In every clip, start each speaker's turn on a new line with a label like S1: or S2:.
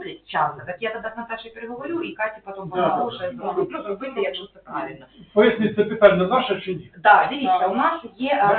S1: час, так я тоді з Наташею переговорю, і Каті потім поможе зробити, якщо це правильно.
S2: Поясніть, це питання ваше чи ні?
S1: Так, дивіться, у нас є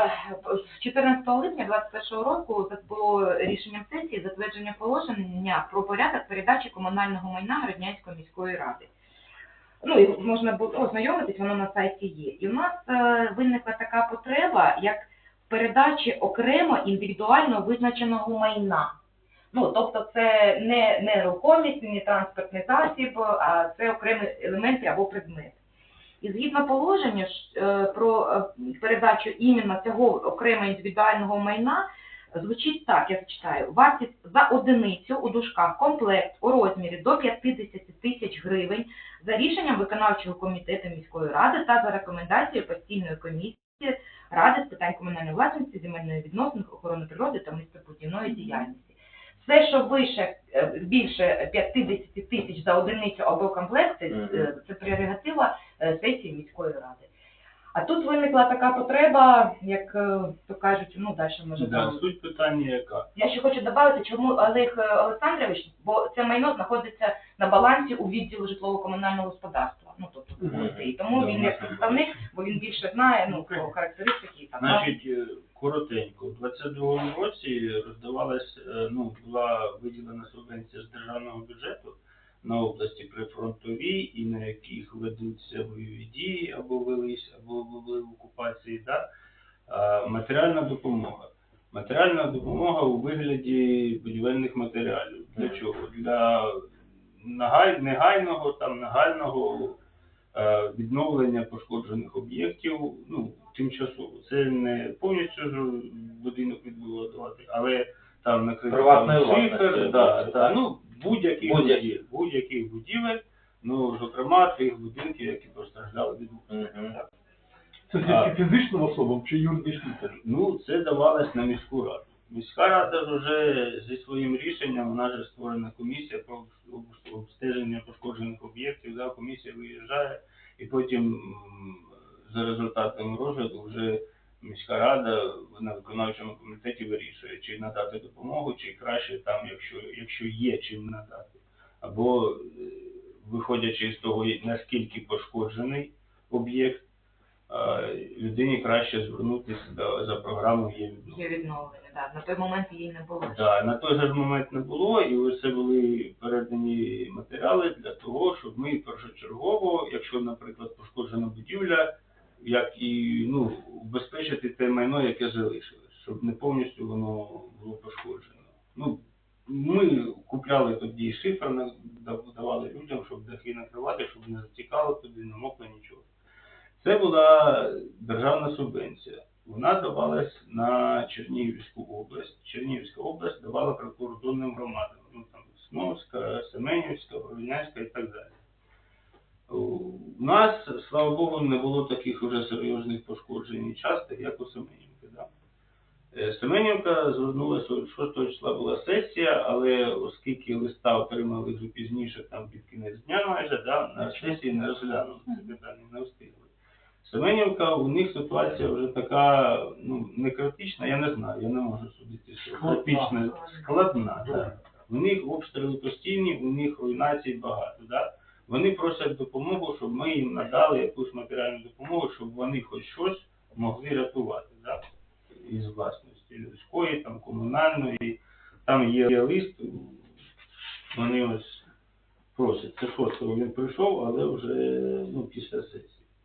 S1: 14 липня 2021 року було рішенням сесії затвердження положення про порядок передачі комунального майна Городнянської міської ради. Ну, і можна було ознайомитись, воно на сайті є. І у нас виникла така потреба, як передачі окремо індивідуально визначеного майна. Ну, тобто це не нерухомість, не транспортний засіб, а це окремі елементи або предмети. І згідно положення про передачу іменно цього окремо індивідуального майна, звучить так, я зачитаю. Вартість за одиницю у дужках комплект у розмірі до 50 тисяч гривень за рішенням виконавчого комітету міської ради та за рекомендацією постійної комісії Ради з питань комунальної власності, земельної відносин, охорони природи та містобудівної діяльності. Все, що більше 50 тисяч за одиницю або комплект, це прерогатива сесії міської ради. А тут виникла така потреба, як то кажуть, ну далі може...
S3: Да, суть питання яка?
S1: Я ще хочу додати, чому Олег Олександрович, бо це майно знаходиться на балансі у відділу житлово-комунального господарства. Ну, тобто, і тому він як представник, бо він більше знає, ну, про характеристики.
S3: Значить, коротенько, у 22-му році роздавалась, ну, була виділена субвенція з державного бюджету на області прифронтові, і на яких ведуться бойові дії, або велись, або були в окупації, да? Матеріальна допомога. Матеріальна допомога у вигляді будівельних матеріалів. Для чого? Для негайного, там, нагального відновлення пошкоджених об'єктів, ну, тимчасово. Це не повністю будинок відбудувати, але там накрити шифер, ну, будь-яких будівель, ну, зокрема, тих будинків, які постраждали від обстрілів.
S2: Це тільки фізичним особам чи юридичним теж?
S3: Ну, це давалось на міську раду. Міська рада вже зі своїм рішенням, вона ж створена комісія про обстеження пошкоджених об'єктів, да, комісія виїжджає, і потім за результатами розгляду вже міська рада на виконавчому комітеті вирішує, чи надати допомогу, чи краще там, якщо є чим надати. Або, виходячи з того, наскільки пошкоджений об'єкт, людині краще звернутися за програмою
S1: Є відновлення, так. На той момент її не було.
S3: Так, на той же момент не було, і ось це були передані матеріали для того, щоб ми першочергово, якщо, наприклад, пошкоджена будівля, як і, ну, убезпечити те майно, яке залишилось, щоб не повністю воно було пошкоджено. Ну, ми купляли тоді шифер, давали людям, щоб дахи накривати, щоб не затікало туди, не мокло нічого. Це була державна субвенція. Вона давалась на Чернігівську область. Чернігівська область давала прикордонним громадам. Ну, там, Сновська, Семенівська, Городнянська і так далі. У нас, слава Богу, не було таких вже серйозних пошкоджень і частих, як у Семенівки. Да? Семенівка звернулася, 6 числа була сесія, але оскільки листа отримали вже пізніше, там під кінець дня майже, да, на сесії не розглянули це питання, не встигли. Семенівка, у них ситуація вже така, ну, не критична, я не знаю, я не можу судити, що критична, складна. Да. У них обстріли постійні, у них руйнацій багато. Да. Вони просять допомогу, щоб ми їм надали якусь матеріальну допомогу, щоб вони хоч щось могли рятувати, да, із власності людської, там, комунальної. Там є лист, вони ось просять. Це 6-го він прийшов, але вже, ну, після сесії.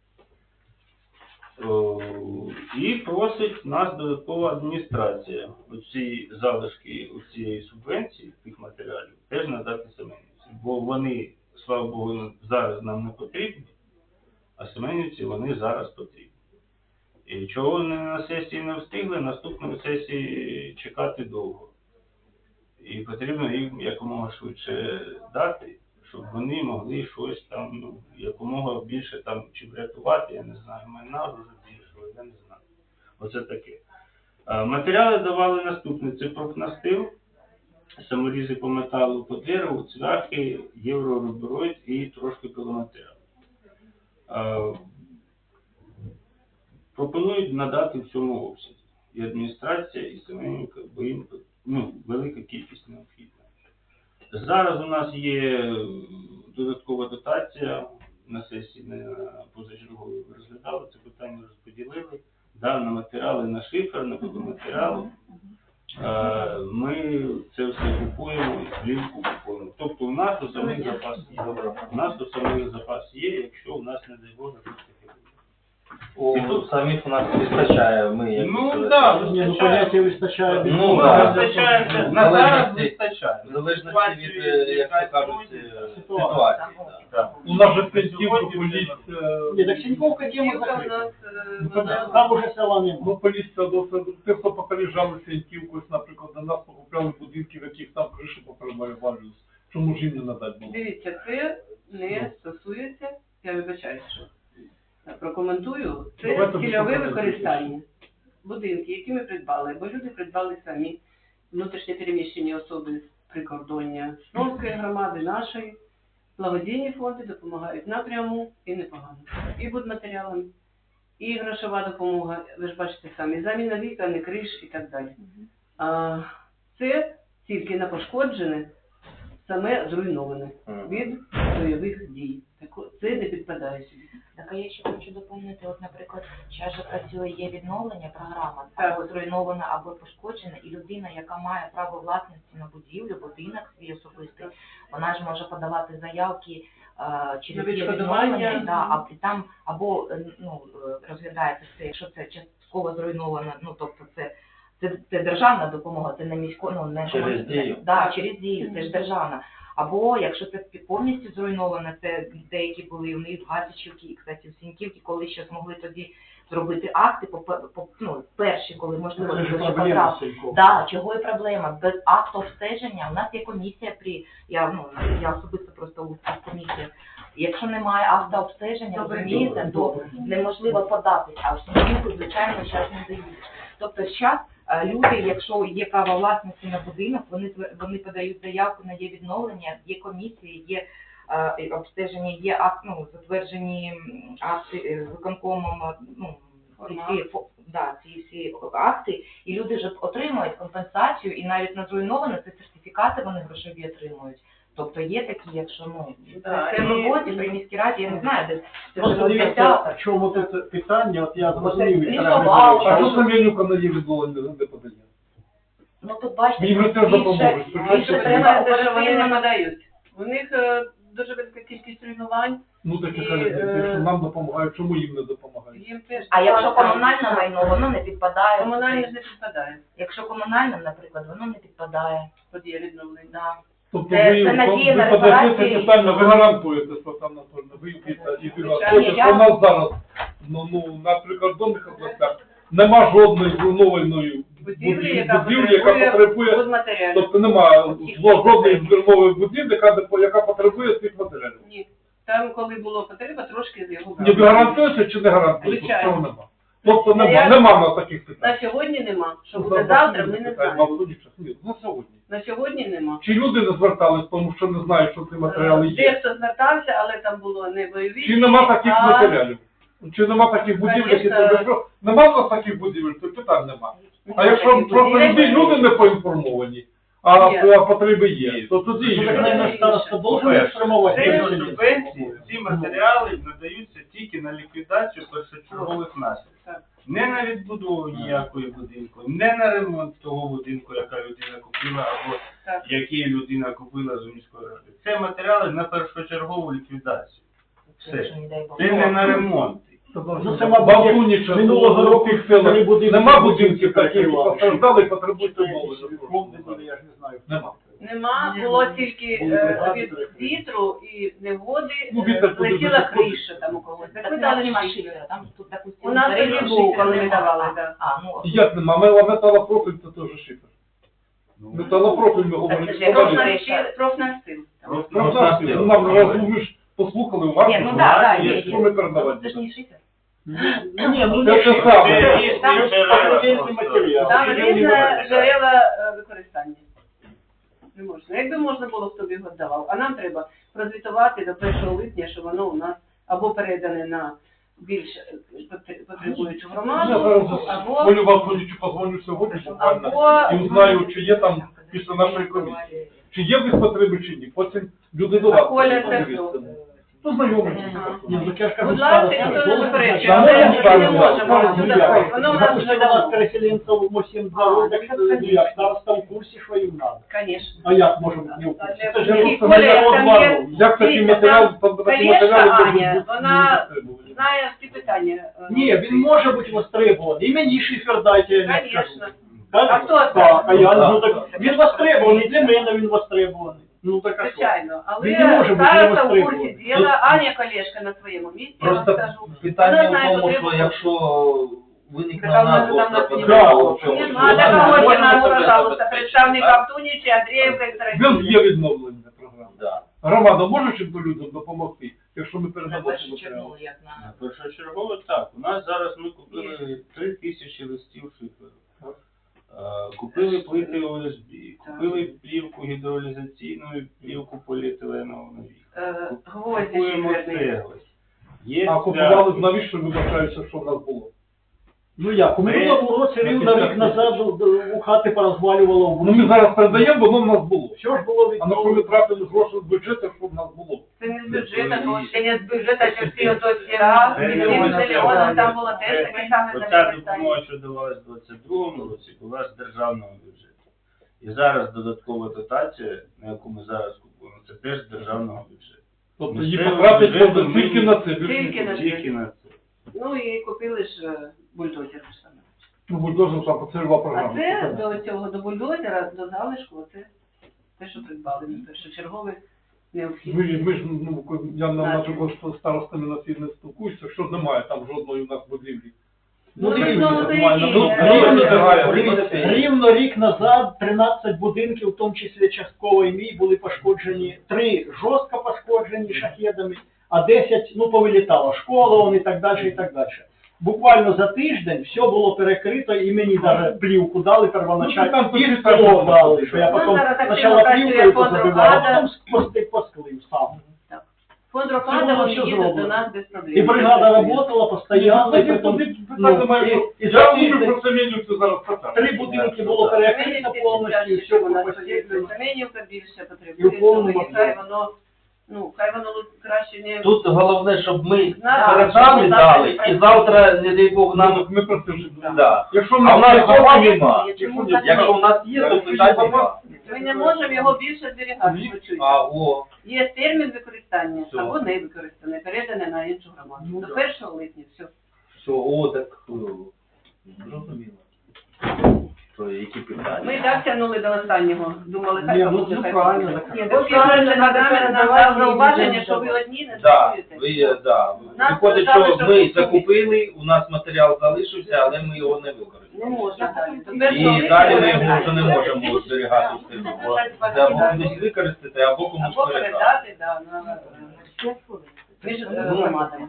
S3: І просить нас додаткова адміністрація оці залишки цієї субвенції, тих матеріалів, теж надати Семенівці. Бо вони, слава Богу, зараз нам не потрібні, а Семенівці вони зараз потрібні. І чого вони на сесії не встигли, наступної сесії чекати довго. І потрібно їм якомога швидше дати, щоб вони могли щось там, ну, якомога більше там чи врятувати, я не знаю, майна вже більшого, я не знаю. Оце таке. Матеріали давали наступне. Це профнастил, саморізи по металу, по дереву, цвяхи, єврорубероїд і трошки пиломатеріал. Пропонують надати в цьому обсязі. І адміністрація, і Семенівка, бо їм, ну, велика кількість необхідна. Зараз у нас є додаткова дотація на сесії на позачерговій ви розглядали це питання, розподілили. Да, на матеріали, на шифер, на будоматеріали. Ми це все купуємо і плівку купуємо. Тобто у нас основний запас є. У нас основний запас є, якщо у нас, не дай Боже, щось таке буде.
S4: Самих у нас вистачає, ми як...
S3: Ну, так,
S2: Ні, ну поняття вистачає.
S4: Ну,
S2: да.
S3: вистачає, на зараз вистачає.
S4: В залежності від, як то кажуть, ситуації.
S3: Так.
S2: У нас же Сеньківка, поліція.
S5: Ні, так Сіньковка тема
S6: Сіньковка у
S5: закрита.
S6: нас,
S5: Там уже села нема.
S2: Ну, поліція досить. Ті, хто попереджали Сеньківку, наприклад, до нас покупляли будинки, в яких там криші поперевалювалися. Чому ж їм не надати було?
S6: Дивіться, це не стосується, я вибачаюся, що прокоментую, це
S2: Давайте
S6: цільове
S2: виступати.
S6: використання. Будинки, які ми придбали, бо люди придбали самі, внутрішньо переміщені особи з прикордоння Сновської громади, нашої, благодійні фонди допомагають напряму і непогано. І будматеріалами, і грошова допомога, ви ж бачите самі, заміна вікон, і криш і так далі. А це тільки на пошкоджене, саме зруйноване від бойових дій. Це не підпадає сюди.
S1: Так, а я ще хочу доповнити, от, наприклад, зараз же працює є відновлення програма,
S6: Так.
S1: або зруйнована, або пошкоджена, і людина, яка має право власності на будівлю, будинок свій особистий, вона ж може подавати заявки через
S6: На
S1: є
S6: відшкодування.
S1: відновлення, да, а і там або розглядається це, якщо це частково зруйновано, ну тобто це державна допомога, це не місько, ну не
S4: Через Дію.
S1: Да, через Дію, це ж державна. Або якщо це повністю зруйновано, це деякі були у них в Гатичівці і, кстати, в Сіньківці, коли ще змогли тоді зробити акти, перші, коли можливо
S5: Це ж
S1: ще
S5: проблема
S1: потрапити.
S5: Сіньковки.
S1: Да, чого і проблема. Без акту обстеження у нас є комісія я особисто просто у цих комісіях. Якщо немає акта обстеження, розумієте, то неможливо податись, а в Сіньківку, звичайно, зараз не дають. Тобто зараз люди, якщо є право власності на будинок, вони подають заявку на є відновлення, є комісії, є обстеження, є затверджені акти виконкомом, ці всі акти, і люди вже отримують компенсацію, і навіть на зруйноване це сертифікати вони грошові отримують. Тобто є такі, якщо це в роботі при міській раді, я не знаю, де це
S5: Просто
S1: вже
S5: дивіться, в чому тут питання, от я зрозумів,
S1: Це
S5: Віктор
S1: лісова,
S5: Григорович.
S2: А що Семенюка на її відновлення не подає?
S1: Ну тут бачите,
S2: Їм же теж допоможуть.
S1: більше треба
S6: Це ж вони не
S1: оперативно.
S6: надають. У них дуже велика кількість руйнувань,
S2: Ну так
S6: І,
S2: і кажуть, якщо нам допомагають, чому їм не допомагають?
S6: їм теж...
S1: А якщо комунальне майно, воно не підпадає.
S6: Комунальне ж не підпадає,
S1: Якщо комунальне, наприклад, воно не підпадає.
S6: тоді є відновлення.
S1: Да.
S2: Тобто
S1: Це надія на
S2: ви подаєте
S1: репарації.
S2: питання, ви гарантуєте, що там Анатольовна, ви і
S6: Звичайно,
S2: хочете, що у нас зараз, на прикордонних областях, нема жодної зруйнованої
S6: Будівлі,
S2: будівлі, яка потребує,
S6: будматеріалів.
S2: тобто немає жодної зруйнованої будівлі, яка потребує цих матеріалів.
S6: Ні. Там, коли було потреба, трошки з його
S2: Ні, ви гарантуєте чи не гарантуєте?
S6: Звичайно.
S2: Що нема? Тобто
S6: Я-
S2: нема на таких питань.
S6: На сьогодні нема. Що
S2: Ну,
S6: буде завтра, ми не знаємо.
S2: Ні, на сьогодні.
S6: На сьогодні нема.
S2: Чи люди не звертались, тому що не знають, що ці матеріали є?
S6: Дехто звертався, але там було не бойові.
S2: Чи нема таких
S6: а
S2: матеріалів? Чи нема таких будівель, які
S6: Конечно.
S2: тебе що? Нема в нас таких будівель, то питань нема. А
S6: Нема
S2: якщо
S6: таких
S2: просто
S6: будівель.
S2: люди не поінформовані, а
S6: Є.
S2: потреби є, то тоді
S5: Ну, так,
S2: є.
S5: наверное, староста должен
S3: По-перше,
S5: формувати.
S3: Згідно субвенції, ці матеріали надаються тільки на ліквідацію першочергових наслідків.
S6: Так.
S3: Не на відбудову ніякої будинку, не на ремонт того будинку, яка людина купила, або
S6: Так.
S3: який людина купила з міської ради. Це матеріали на першочергову ліквідацію. Все.
S1: Якщо, не дай Бог.
S3: Це не на ремонт.
S5: Ну, це, мабуть,
S2: Бабуніча,
S5: минулого року
S2: тих селах
S5: три будинки
S2: нема будинків таких, які
S5: перекривали.
S2: постраждали і потребують
S5: Що
S2: умови.
S5: якісь фонди були, я ж не знаю.
S2: Нема.
S6: Нема, було тільки
S5: Були бригади,
S6: від
S5: перекриття.
S6: вітру і неводи,
S2: Ну, вітер туди
S6: злетіла
S2: заходить.
S6: криша там у когось. Так
S1: Так
S6: ми
S1: ми
S6: дали
S1: дали
S6: шифер.
S1: шифера, там тут, допустим,
S6: У нас
S1: тариф
S6: тоді був,
S1: шифера
S6: коли ми
S1: нема.
S6: давали, так.
S2: Як нема? Металопрофіль це теж шифер. Металопрофіль ми говоримо.
S1: це ж як
S2: Складали.
S6: Профнастил.
S2: Профнастил. Нам ви ж послухали уважно.
S1: Ні, ну да,
S2: що
S1: є.
S2: що ми передавати.
S1: Це ж не шифер.
S5: Ні, ну
S2: Це
S5: не
S2: те
S5: шифер.
S2: саме.
S3: Це різні
S5: Там
S3: джерела
S5: різні
S3: просто.
S5: матеріали.
S6: Там
S5: Різні
S6: різне
S5: матеріали.
S6: джерела використання. Не можна. Якби можна було, хто б його давав. А нам треба прозвітувати до 1 липня, що воно у нас або передане на більш потребуючу
S2: Я
S6: громаду,
S2: зараз
S6: або
S2: Волю Вакулічу позвоню сьогодні буквально
S6: або
S2: і узнаю, чи є там після нашої комісії. чи є в них потреби, чи ні. Потім люди до вас.
S6: Коля, це
S2: подивляться.
S6: хто?
S2: Ну, знайомі.
S5: Ні, ну я ж кажу,
S6: Будь ласка,
S5: староста
S6: ніхто не
S5: должен
S6: заперечує,
S5: знати.
S6: але
S5: А
S6: ми
S5: можна
S6: не можемо
S5: сказати,
S6: сюди
S5: ну, як?
S6: входити. Воно у нас
S5: Допустим,
S6: вже
S5: у нас
S6: давно.
S5: переселенців 8-2 роки, ну як, староста в курсі, що їм треба.
S6: Конечно.
S5: А як може бути не в курсі? Це ж
S6: Ні,
S5: просто
S6: Коля,
S5: народ
S6: там
S5: варвар.
S6: є-
S2: Як такий
S6: Дивіться,
S2: матеріал,
S6: там
S2: такі
S6: Колешка
S2: матеріали можуть
S6: Аня,
S2: бути
S6: вона
S2: затребувані.
S6: знає всі питання.
S5: Ні, він може бути востребований. І мені шифер дайте, я не скажу.
S6: Конечно.
S5: Так?
S6: А хто це?
S5: Так, а я, ну, так, він востребований, для мене він востребований. Ну так а що?
S6: Звичайно. Але
S5: Він не може бути
S6: староста в
S5: невостребований.
S6: курсі діла, Аня Колешка на своєму місці, я вам
S4: Просто
S6: скажу. Вона
S4: питання
S6: знає
S4: в тому,
S6: потребу.
S4: що якщо виникне
S6: Так,
S4: нас
S6: вона там
S4: гостра
S6: нас
S4: потреба
S5: не
S4: у
S5: буде.
S4: чомусь,
S6: Не
S4: то
S6: надо
S4: вона
S6: кого-то
S4: може
S6: нас,
S4: себе
S6: пожалуйста,
S4: забезпечити,
S6: представник
S4: так?
S6: Антонівича, Андріївка і
S2: Він
S6: Стародуб.
S2: є відновлення програми.
S4: Да.
S2: Громада може чим-то людям допомогти, якщо ми
S1: На
S2: передамо
S1: першу
S2: ці матеріали?
S1: чергу, як на...
S3: Першочергово так. У нас зараз ми купили 3000 листів шиферу. Купили плити ОСБ, купили плівку гідролізаційну, плівку поліетиленову на вікна.
S6: Гвозді
S3: Купуємо
S6: шиферні.
S3: цегли. Є
S2: А купували, навіщо ви вважаєте, що в нас було?
S5: Ну як, у минулому році рівно рік назад у хати порозвалювало в
S2: Ну ми зараз передаємо, воно в нас було.
S5: Що ж було
S2: А на коли ми тратили гроші з бюджету, щоб в нас було?
S6: Це не з бюджету, це не з бюджету, це всі ото всі раз,
S3: Це
S6: і
S3: не
S6: всі
S3: можна
S6: мільйони,
S3: сказати.
S6: там було теж таке саме
S3: Оця
S6: використання.
S3: допомога, що давалась в 22-му році, була з державного бюджету. І зараз додаткова дотація, на яку ми зараз купуємо, це теж з державного бюджету.
S2: Тобто
S3: Місцевий
S2: її потратить
S3: бюджет
S2: можна тільки на це.
S6: Тільки на це.
S3: Тільки на це.
S6: Ну і купили ж бульдозер саме.
S2: Ну, бульдозер там поцільова
S6: А
S2: програма.
S6: це до цього, до бульдозера, до залишку, це те, що придбали, першочергове необхідність.
S2: Ми ж, ну, я наприклад, з старостами на цій не спілкуюся, що немає там жодної у нас будівлі.
S6: Ну,
S5: Ну,
S6: ви знову
S5: рівно рік назад 13 будинків, в тому числі частково і мій, були пошкоджені, 3 жорстко пошкоджені шахедами, а 10, ну, повилітало, школа, он і так далі, і так далі. Буквально за тиждень все було перекрито, і мені навіть плівку дали
S2: Ну,
S5: первоначально,
S2: там
S5: і
S2: тоді
S5: скло
S2: так,
S5: дали, що я
S6: Ну,
S5: потім
S6: зараз активно
S5: спочатку
S6: працює
S5: плівкою
S6: фонд
S5: позабивав, а
S6: «Рокада».
S5: потім посклив сам.
S6: Фонд
S5: Це
S6: Рокада,
S5: було
S6: вони
S5: все
S6: їдуть до
S5: зроблено.
S6: нас без проблем.
S5: І бригада работала постійно, і потім, і за
S2: Я говорю
S5: тиждень
S2: про Семенівцю зараз питаю.
S5: 3 будинки було перекрито повністю, і все постійно.
S6: Семенівка більше
S5: І в
S6: потребує,
S5: повному
S6: тому хай воно, ну, хай воно краще не...
S4: Тут головне, щоб ми
S6: Знаю,
S4: передали,
S6: щоб
S4: дали,
S6: завтра-
S4: і завтра, не дай Бог, нам...
S2: Ми про це вже
S4: Да.
S2: Якщо
S4: А в нас
S2: є,
S4: цього нема.
S1: Чому
S4: Якщо в нас є, то питань нема.
S6: Ми не можемо його більше зберігати, почуйте.
S4: А, о,
S6: Є термін використання
S4: Все.
S6: або не використане, передане на іншу громаду.
S4: Ну,
S6: До
S4: да.
S6: 1 липня, все.
S4: все, о, так, зрозуміло. То які питання?
S6: Ми і так тягнули до останнього. Думали,
S5: Ні,
S6: хай
S5: ну,
S6: буде,
S5: ну,
S6: хай
S5: правильно.
S6: буде.
S5: Ні,
S6: Бо правильно, нам дав зауваження, що ви одні не
S4: Да,
S6: працюєте.
S4: да. Виходить, що ми закупили, у нас матеріал залишився, але ми його не
S6: Не
S4: використали.
S6: можна далі. До 1
S4: І
S6: липня
S4: далі ми
S6: передати.
S4: його вже не можемо зберігати в себе. Бо це або кудись використати, або комусь
S6: Або
S4: передати.
S6: передати, да, на між громадами.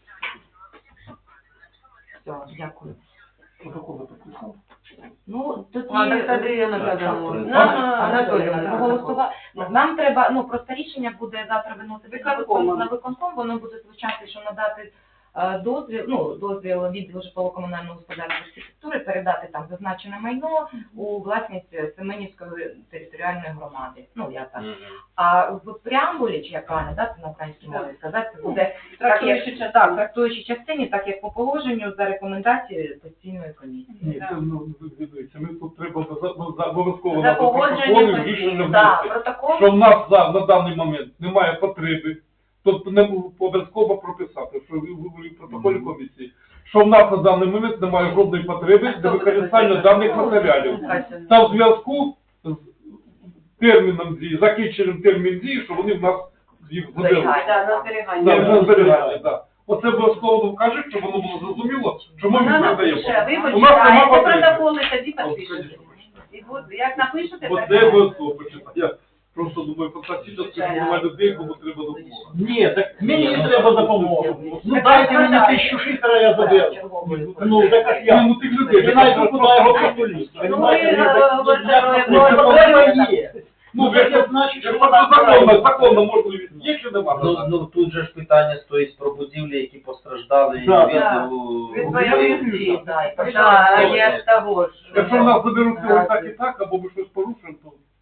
S1: Все, дякую.
S5: Протоколи підписав.
S1: Ну, тоді...
S6: Ладно, Андріївна,
S1: Анатоліївна, проголосувала. Нам треба, ну, просто рішення буде завтра виносити
S6: Виконкомом.
S1: на виконком, воно буде звучати, що надати дозвіл відділу житлово-комунального господарства архітектури передати там зазначене майно у власність Семенівської територіальної громади. Ну, я так. А в преамбулі, чи як правильно, да, це на українській мові сказати, це буде трактуючій частині, так як по положенню за рекомендацією постійної комісії.
S2: Ні, це, ну, дивіться, ми тут треба обов'язково
S6: За
S2: на
S6: погодженням
S2: протоколи рішення
S6: Так,
S2: внести.
S6: протокол.
S2: Що в нас на даний момент немає потреби, тобто не обов'язково прописати, що ви в протоколі комісії, що в нас на даний момент немає жодної потреби для використання даних матеріалів. Та в зв'язку з терміном дії, закінченням термін дії, що вони в нас їх заберуть.
S6: Да, на
S2: Так,
S6: зберігання.
S2: на зберігання, так. Оце обов'язково вкажуть, щоб воно було зрозуміло, чому ми
S6: Вона
S2: передаємо.
S6: напише, ви
S2: У нас нема
S6: почитаєте
S2: потреби.
S6: протоколи, тоді підпишете. І буде, як напишете,
S2: Бо
S6: так
S2: це
S6: і
S2: обов'язково почитати. Я просто думаю, фантастично, що немає людей, кому треба допомога.
S5: Ні, так мені треба допомога. Ну дайте мені 1000 шифера, я заберу. Ну, так як я.
S2: Ну, тих людей.
S5: Я навіть куди його посулити.
S6: Ну, ви говорите,
S5: Проблема є.
S2: Ну,
S5: Ну, це значить, що
S2: якщо
S5: вона
S2: це законно можливість є чи нема?
S4: Ну тут же ж питання стоїть про будівлі, які постраждали
S5: Да.
S6: від бойових дій.
S1: Да, і
S6: Да, я ж того ж.
S2: Якщо нас заберуть цього так і так, або ми щось порушимо, то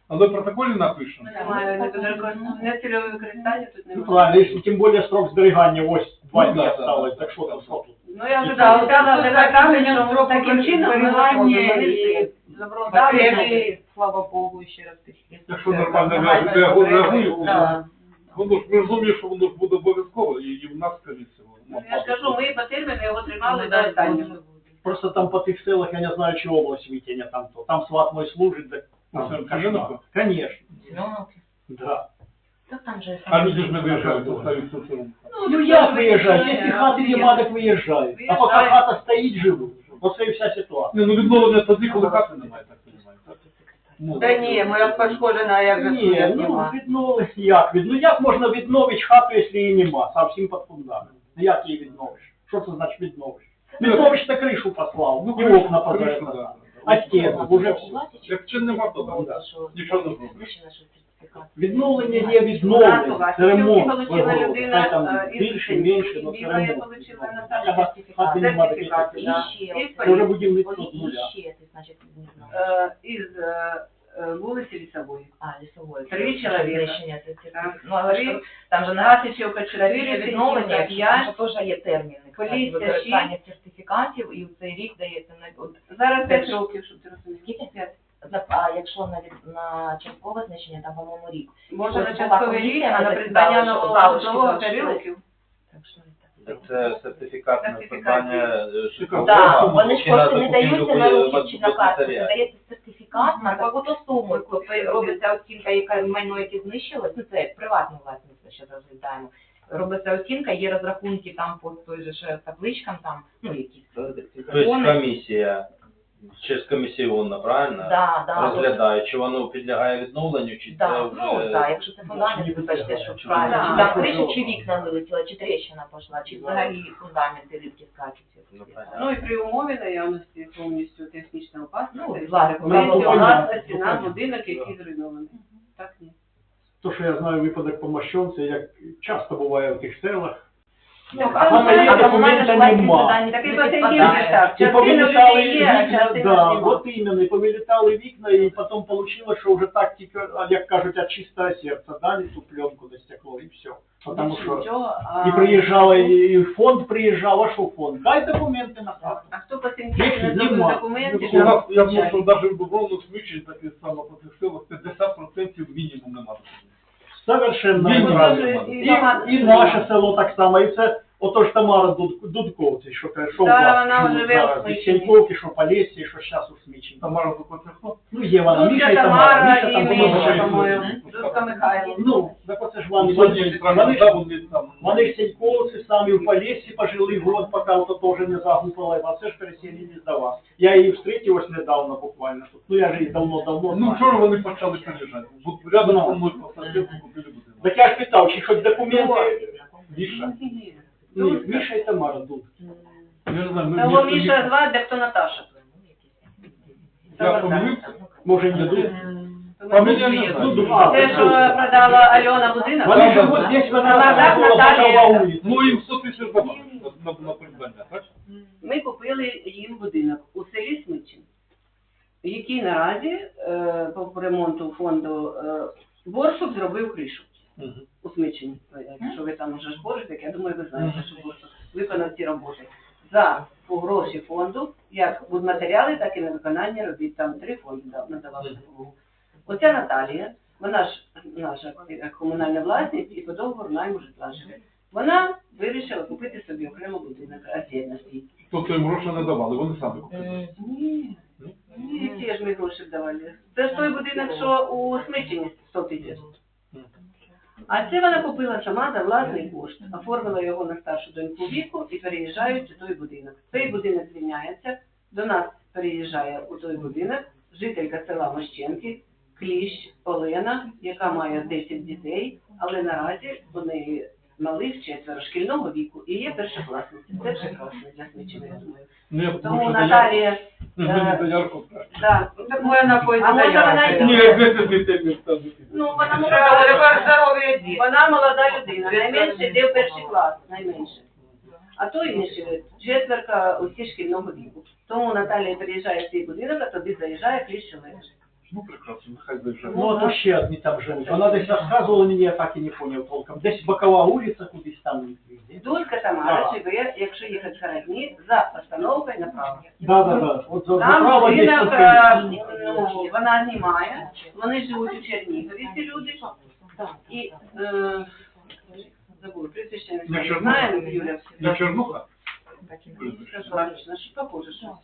S2: Але в протоколі напишемо.
S6: Немає нецільове використання тут
S5: Ну,
S6: немає.
S5: правильно, если тем более срок сберегания, ось 2
S2: Ну,
S5: дні
S2: да,
S5: осталось,
S2: да,
S5: так що
S2: да,
S5: там,
S2: да.
S5: що тут?
S6: Ну я вже
S1: Да,
S6: сказала,
S1: це
S6: що
S1: закінчення строку
S6: таким чином ми
S1: зберігання
S6: вирішили
S1: і
S6: законодавчо.
S1: потреби, слава Богу, ще раз підкреслюю.
S2: Якщо нормально
S1: Загальної
S2: реагує,
S1: потреби,
S6: Да.
S2: воно ж ми розуміємо, що воно ж буде обов'язково, і в нас комісія.
S6: Ну, я ж кажу, ми по терміну його тримали
S1: Ну,
S6: до
S1: да,
S6: останнього.
S1: Боже.
S5: Просто там по тих селах, я не знаю, чи область витягне там то. Там сват мой служить, так
S2: А,
S5: там
S2: це
S5: кошмар.
S2: Семеновка?
S5: Конечно,
S1: Семеновки.
S5: да.
S1: Так там же
S2: А люди ж не виїжджають, остаються в цьому.
S5: Ну як виїжджають? Якщо хати нема, так виїжджають. А поки
S6: Виїжджають.
S5: хата стоїть, живуть. Оце і вся ситуація.
S2: Ні, ну відновлення тоді, коли хати немає, так немає. Ну,
S7: Та ні, моя пошкоджена, як же
S5: Ні,
S7: судять
S5: ну
S7: нема.
S5: відновити, ну як можна відновити хату, якщо її нема, совсем під фундамент? Ну як її відновиш? Що це значить відновиш? Відновиш, та кришу послав,
S2: Ну,
S5: і окна
S2: кришу,
S5: позаїхав.
S2: да.
S5: А стіну, уже все.
S2: Як чи нема, то да. Нічого не зробиш.
S5: Відновлення є відновлення, це ремонт.
S6: Получила
S5: Хай
S6: людина
S5: там
S6: із
S5: більше, менше, але це
S6: Біла я
S5: ремонт.
S6: получила на
S5: Хати нема таких.
S6: сертифікати,
S1: І
S6: да.
S1: ще,
S6: І
S5: Це вже будівництво з
S1: і
S5: нуля.
S1: ще, ти, значить, не знаю.
S6: Із вулиці Лісової.
S1: Лісової.
S6: Три чоловіка.
S1: Знищення цих
S6: Так.
S1: цих. Ну, але ж
S6: Три.
S1: там же на
S6: Гасичівка
S1: чотири
S6: 4,
S1: відновлення,
S6: відновлення
S1: там же теж є терміни.
S6: Поліція,
S1: Використання сертифікатів, і в цей рік дається на... от,
S6: Зараз 5 років, щоб ти розумів.
S1: Скільки?
S6: 5.
S1: А якщо на часткове знищення, там, по-моєму, рік.
S6: Може на
S1: Тобто
S6: частковий
S1: була
S6: рік, а на
S1: комісія,
S6: придбання
S1: ми
S6: нового
S1: залишки
S6: нового 3
S1: залишили.
S6: років.
S1: Так що не
S4: Так це сертифікат на
S6: Сертифікат.
S4: придбання
S2: Так,
S1: Так, вони ж
S4: чи на
S1: просто не
S4: закупівлю
S1: даються на руки чи на карту,
S4: матеріалів.
S1: дається сертифікат на таку-то суму, коли робиться оцінка, яка майно, яке знищилось, ну це приватну власність, ми ще розглядаємо. Робиться оцінка, є розрахунки там по той же ж табличкам, там, ну, якісь
S4: Тобто комісія, через комісіонна, правильно?
S1: Да.
S4: Розглядає, чи воно підлягає відновленню, чи це
S1: Да,
S4: вже...
S1: ну, да, якщо це фундамент, вибачте, що
S4: Чи
S1: правильно,
S6: да,
S1: чи
S5: да,
S1: там криша,
S5: да.
S1: чи вікна вилетіла, чи тріщина пішла, чи взагалі фундаменти рідкі скачуть.
S4: Ну, понятно.
S6: Ну і при умові наявності повністю технічної опасності,
S1: Ну, власне,
S6: повністю
S5: ну,
S6: власності
S5: понятно.
S6: на будинок, який зруйнований. Так ні.
S5: То, що я знаю випадок по Мощонці, як часто буває в тих селах.
S1: Ну,
S6: а
S5: саме є документа нема.
S6: Так і по цей більше так.
S5: І
S6: Частина
S5: повилітали
S6: людей є, а
S5: вікна,
S6: частина
S5: да,
S6: нема.
S5: от іменно, і повилітали вікна, і потім вийшло, що вже так тільки, як кажуть, від чистого серця дали ту пленку до стекло, і все. Тому що
S6: Нічого, а...
S5: і приїжджала, і фонд приїжджав, а що фонд? Дай документи на хату.
S6: А хто по цим
S5: Їх
S6: не
S5: нема.
S6: зробив документів?
S2: У нас, я думаю, що навіть в Дубровну смічі, так і саме по цих силах, 50% мінімум немає.
S5: Совершенно
S2: Ні,
S5: правильно.
S2: ні,
S5: І наше село так само, і це ото ж Тамара Дудковці, що каже, що у
S6: Да,
S5: вас
S6: вона
S5: чули
S6: живе у
S5: зараз,
S6: Смічині.
S5: і Сеньковки, що Полесі, що зараз у Смічині.
S2: Тамара Дубровна, хто?
S5: Ну, є вона,
S6: Дудка
S5: Міша і Тамара,
S6: Тамара
S5: Міша
S6: і
S5: там
S6: Міша,
S5: помогла.
S6: по-моєму. Дудка Михайло.
S5: Ну, так оце ж
S2: Вони
S5: вони
S2: вони
S5: ж Сеньковці самі в Полесі пожили год, поки ото теж не загупала, а це ж переселились до вас. Я її встретив ось недавно буквально тут. Ну, я ж її давно
S2: Ну,
S5: знаю.
S2: вчора вони почали приїжджати. От рядом зі мною посадили, купили будинок.
S5: Так я ж питав, чи хоч документи...
S2: Міша.
S5: Ні, Міша і Тамара тут.
S2: Я не знаю, ну,
S6: Того Міша звати, де хто Наташа.
S2: Я помилився?
S5: Може, не тут?
S2: Фамілія не знаю.
S6: Те, що продала Альона будинок?
S5: Вони
S2: Да,
S5: живуть
S2: да.
S5: здесь, вона
S6: Тамара,
S5: була
S6: Наталія.
S5: бокова вулиця.
S2: Ну, їм 100 тисяч давали на придбання, так?
S6: Ми купили їм будинок у селі Смичин, який наразі по ремонту фонду Борсук зробив кришу у Смичині. Якщо ви там вже ж боржите, я думаю, ви знаєте, що Борсук виконав ці роботи. За гроші фонду, як будматеріали, так і на виконання робіт. Там 3 фонди надавали допомогу. Оця Наталія, вона ж наша комунальна власність і по договору найму житла живе. Вона вирішила купити собі окремо будинок віддільності.
S2: Тобто їм гроші не давали, вони самі купили.
S6: Ні, ті ж ми гроші давали. Це ж той будинок, що у Смичині 100 тисяч. А це вона купила сама за власний кошт, оформила його на старшу доньку віку і переїжджають у той будинок. Цей будинок звільняється, до нас переїжджає у той будинок жителька села Мощенки, Кліщ Олена, яка має 10 дітей, але наразі у неї малих 4 шкільного віку і є першокласниця. Це прекрасно для Смичини, я думаю.
S2: Ні,
S6: Тому Наталія...
S2: Мені доярку.
S6: Да.
S7: Так вона
S6: А може вона
S2: Ні,
S6: й...
S2: 10 дітей не ставити.
S6: Ну, вона
S7: Треба здоров'я дітей.
S6: Вона молода людина, найменше йде в перший клас, найменше. А то інші 4 усі шкільного віку. Тому Наталія приїжджає в цей будинок, а туди заїжджає Кліщ Олена.
S2: Ну, прекрасно, нехай заїжджає.
S5: Ну, а то ще одні там живуть. Вона десь розказувала мені, я так і не поняв толком. Десь бокова вулиця, кудись там.
S6: Дулька Тамара
S5: Да.
S6: живе, якщо їхати з Городні, за постановкою направо.
S5: Да. От за
S6: Там
S5: право є
S6: будинок,
S5: тут.
S6: ну, вона знімає, вони живуть у Чернігові, ці люди. І, забула, прізвище не
S2: Не
S6: знаю,
S2: Чернуха?
S6: знаємо, Юля.
S2: Не Чернуха?
S6: Точно, що похоже, що.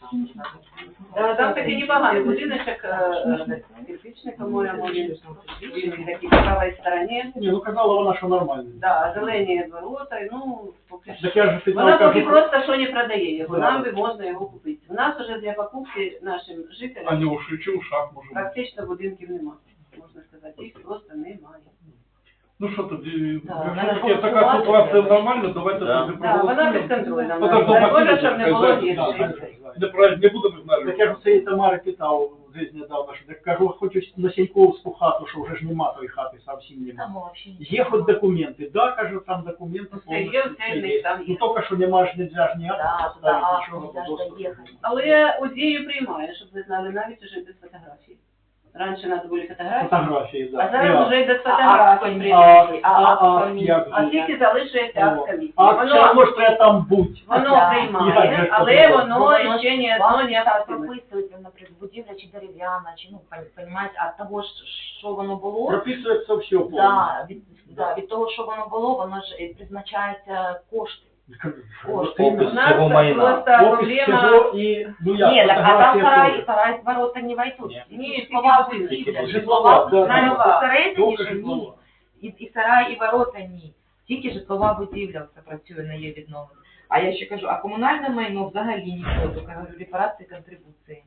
S6: Там такий непоганий будиночок, кирпичний, по-моєму, він такий по правій стороні.
S5: Ні, ну казала вона, що нормально.
S6: Да, зелені ворота, ну, поки що.
S5: Так я ж питав,
S6: Вона поки
S5: кажу,
S6: просто що не продає його,
S5: Да.
S6: нам би можна його купити. У нас уже для покупки нашим
S2: А
S6: жителям
S2: не у Шичі, у Шах, може бути.
S6: практично будинків немає, можна сказати, їх просто немає.
S2: Ну що тоді,
S1: Да,
S2: якщо
S1: вона
S2: таке, така
S1: голосувати
S2: ситуація
S1: треба.
S2: нормальна, давайте
S3: Да.
S2: тоді
S6: Да, вона
S2: проголосуємо.
S6: безконтрольна.
S2: Подожди,
S6: Дай
S2: Василь,
S6: Боже, щоб не було
S2: хай
S5: да,
S6: гірше.
S2: Не будемо знати.
S5: Так я ж цієї Тамари питав десь недавно, що так кажу, хочу на Сіньковську хату, що вже ж нема тої хати, зовсім нема.
S1: Там вообще
S5: Є хоч документи, да, кажу, там документи
S6: Все є, все в них там
S5: Ну,
S6: є.
S5: тільки що нема ж, нельзя ж ніяк
S1: Да,
S5: поставити,
S1: да,
S5: нічого,
S1: нельзя ж
S5: доступу
S1: доїхати.
S5: немає.
S6: Але УЗІю приймає, щоб ви знали, навіть уже без фотографій. Раніше треба були фотографії,
S5: Фотографії, да.
S6: а зараз вже й без
S1: А
S6: фотографій
S1: акт
S6: приймають.
S5: як
S6: А
S5: же?
S6: тільки залишується акт комісії.
S5: А все одно ж треба там бути.
S6: Воно
S1: Да.
S5: Як
S6: приймає,
S5: же
S6: але
S5: це
S6: воно
S1: Воно
S6: ще ні
S1: вам
S6: одно не
S1: так
S6: активне.
S1: прописується, наприклад, будівля чи дерев'яна, чи, ну, понімаєте, а того, що воно було,
S5: Прописується все повністю.
S1: від того, що воно було, воно ж і призначається кошти.
S5: От
S6: У
S5: іменно.
S6: нас
S4: Цього майна.
S6: просто
S5: Опис
S6: проблема...
S5: всього і, ну як,
S1: Ні, так, а там
S5: фотографія
S1: сарай,
S5: теж.
S1: ворота не войдуть.
S4: Ні.
S6: Ні,
S1: Житлова
S6: тільки
S1: будівля,
S5: житлова,
S1: житлова
S5: да,
S1: навіть
S6: да.
S1: всередині
S5: Тільки
S1: ж ні.
S5: житлова.
S1: І сарай, і ворота ні. Тільки житлова будівля все працює на її відновлення. А я ще кажу, а комунальне майно взагалі ніхто, тільки говорю, репарації, контрибуції.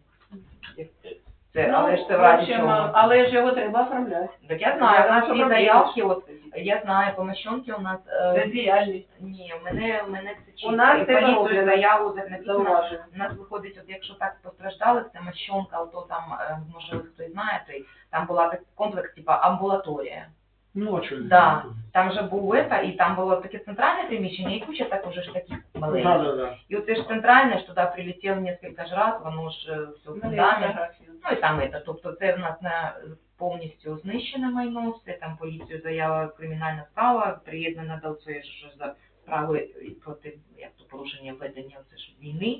S1: Це, але ж це в разі
S6: общем,
S1: чого.
S6: але ж його треба оформляти.
S1: Так я знаю, у нас
S6: Що
S1: є
S6: проблема?
S1: заявки, от, я знаю, по Мощонки у нас...
S6: Бездіяльність.
S1: Ні, в мене це чисто.
S6: У нас
S1: І
S6: це
S1: поліцію
S6: роблено.
S1: заяву написано.
S6: Зауважую.
S1: У нас виходить, от якщо так постраждали, це Мощонка, ото там, може хтось знає, то й там була так комплекс, типа амбулаторія.
S5: Ну, а що?
S1: Да, там же був і там було таке центральне приміщення, і куча так уже ж таких маленьких.
S5: Да.
S1: І от це ж центральне, ж туди прилетіло кілька ж раз, воно ж все
S6: У мене є
S1: фундамент.
S6: фотографії.
S1: Ну і там це, тобто це в нас на повністю знищене майно, все там поліцію заява, кримінальна справа, приєднана до цієї ж за справи проти як то порушення введення це ж війни.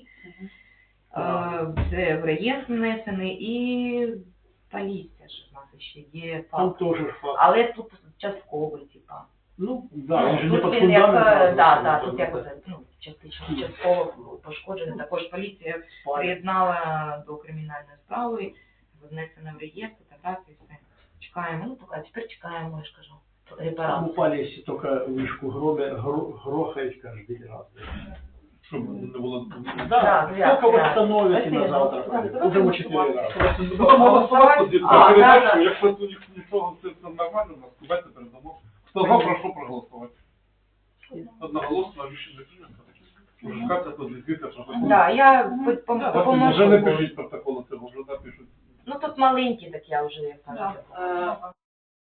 S1: Це в реєстр внесений і поліція ж в нас ще є
S5: Там
S1: факт.
S5: теж факт.
S1: Але тут частково, типа.
S5: Ну, да, він же не
S1: Тут
S5: під
S1: він як,
S5: фундаментом.
S1: да, тут як оце, ну, частково пошкоджений. Також поліція приєднала до кримінальної справи, внесена в реєстр, фотографії, все. Чекаємо, ну, поки тепер чекаємо, я ж кажу,
S5: Там
S1: репарацію.
S5: упали, если только вышку грохает каждый раз.
S2: Щоб не було...
S5: Да,
S1: да,
S5: сколько
S1: да.
S5: восстановите
S1: Спасибо.
S5: на завтра?
S1: Да,
S5: Уже в 4 раза.
S2: Будемо голосувати тоді за
S1: А,
S2: передачу,
S1: да.
S2: якщо тут нічого все нормально, у нас давайте передамо. Хто за, прошу проголосувати. Одноголосно рішення прийнято. Шукати позицію протоколу.
S1: Да, я допоможу.
S2: Вже не пишіть протоколу цього, вже напишуть.
S1: Ну, тут маленькі, так я вже, як кажу.
S6: Да.